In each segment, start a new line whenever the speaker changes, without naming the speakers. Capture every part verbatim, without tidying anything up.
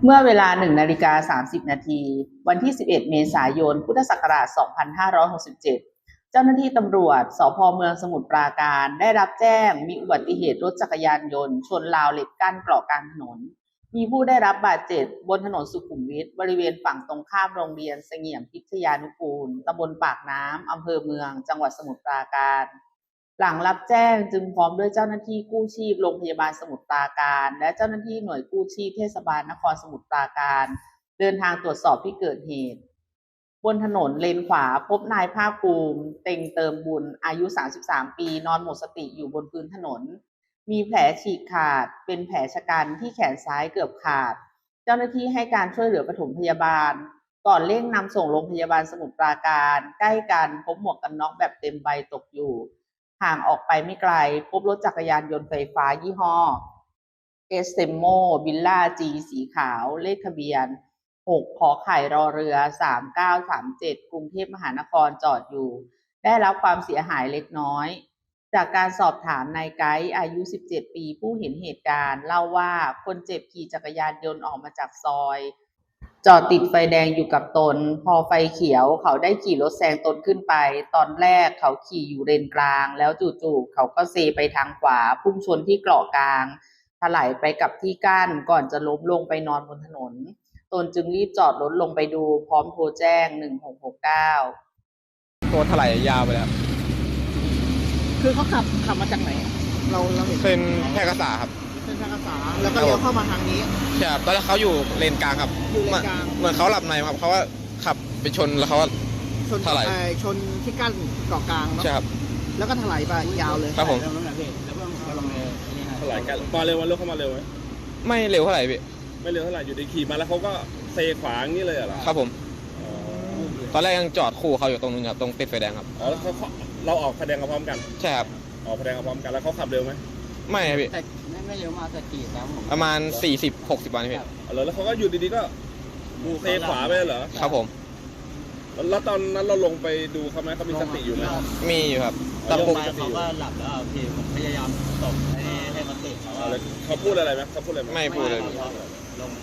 เมื่อเวลาหนึ่งนาฬิกาสามสิบนาทีวันที่สิบเอ็ดเมษายนพุทธศักราชสองพันห้าร้อยหกสิบเจ็ดเจ้าหน้าที่ตำรวจสภ.เมืองสมุทรปราการได้รับแจ้งมีอุบัติเหตุรถจักรยานยนต์ชนราวเหล็กกั้นเกาะกลางถนนมีผู้ได้รับบาดเจ็บบนถนนสุขุมวิทบริเวณฝั่งตรงข้ามโรงเรียนเสงี่ยมพิทยานุกูลตำบลปากน้ำอำเภอเมืองจังหวัดสมุทรปราการหลังรับแจ้งจึงพร้อมด้วยเจ้าหน้าที่กู้ชีพโรงพยาบาลสมุทรปราการและเจ้าหน้าที่หน่วยกู้ชีพเทศบาลนครสมุทรปราการเดินทางตรวจสอบที่เกิดเหตุบนถนนเลนขวาพบนายภาคภูมิเต็งเติมบุญอายุสามสิบสามปีนอนหมดสติอยู่บนพื้นถนนมีแผลฉีกขาดเป็นแผลชะกันที่แขนซ้ายเกือบขาดเจ้าหน้าที่ให้การช่วยเหลือปฐมพยาบาลก่อนเร่งนำส่งโรงพยาบาลสมุทรปราการใกล้กันพบหมวกกันน็อกแบบเต็มใบตกอยู่ห่างออกไปไม่ไกลพบรถจักรยานยนต์ไฟฟ้ายี่ห้อเอสเซมโมบิลล่าจีสีขาวเลขทะเบียนหกขอไข่รอเรือสามเก้าสามเจ็ดกรุงเทพมหานครจอดอยู่ได้รับความเสียหายเล็กน้อยจากการสอบถามนายไกด์อายุสิบเจ็ดปีผู้เห็นเหตุการณ์เล่าว่าคนเจ็บขี่จักรยานยนต์ออกมาจากซอยจอดติดไฟแดงอยู่กับตนพอไฟเขียวเขาได้ขี่รถแซงตนขึ้นไปตอนแรกเขาขี่อยู่เลนกลางแล้วจู่ๆเขาก็เซไปทางขวาพุ่งชนที่เกาะกลางถลายไปกับที่กั้นก่อนจะล้มลงไปนอนบนถนนตนจึงรีบจอดรถลงไปดูพร้อมโทรแจ้งหนึ่งหกหกเก้า
ตัวถลายยาวไปแล้ว
คือเขาขับขับมาจากไหนเราเราเห็น
เป็นแพร่กษาครับ
เป็นแพร่กษาแล้วก็เลี้ยวเข้ามาทางนี้
ใช่ครับตอนแรกเขาอยู่เลนกลางครับ
อยู่เลนกลาง
เหมือนเขาหลับในครับเขาว่าขับไปชนแล้วเขา
ชนถลายชนที่กั้นเกาะกลางเนาะ
ใช่ครับ
แล้วก็ถลายไปยาวเลย
ครับผม
แล้วเพิ่งกำลังถลายกันมาเร็ววันรถเข้ามาเร็วไหม
ไม่เร็วเท่าไหร่พี่
ไม่เร็วเท่าไหร่อยู่ในขี่มาแล้วเขาก็เซขวางนี่เลยเหรอ
ครับผมตอนแรกยังจอดคู่เขาอยู่ตรงนึงครับตรงติดไฟแดงครับ
อ๋อแล้วเขาเราออกไฟแดงพร้อมกัน
ใช่ครับ
ออกไฟแดงพร้อมกันแล้วเขาขับเร็วไหม
ไม่ครับพี่
แต่ไม่เร็วมากแต่ขี่ตามผม
ประมาณสี่สิบหกสิบวันพี่
อ๋อแล้วเขาก็อยู่ดีๆก็เซขวาไปเหรอ
ครับผม
แล้วตอนนั้นเราลงไปดูเขาไหมเขามีสติอยู่ไหม
มีอยู่ครับ
แต่ปุ๊บเขาก็หลับแล้วพี่ผมพยายามตบให้ให้มันตื่นเขา
เขาพูดอะไรไหมเขาพูดอะไรไหม
ไม่พูดเลย
ลงม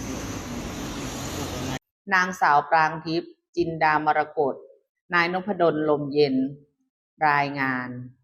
านางสาวปรางทิพย์จินดามรกตนายนพดลลมเย็นรายงาน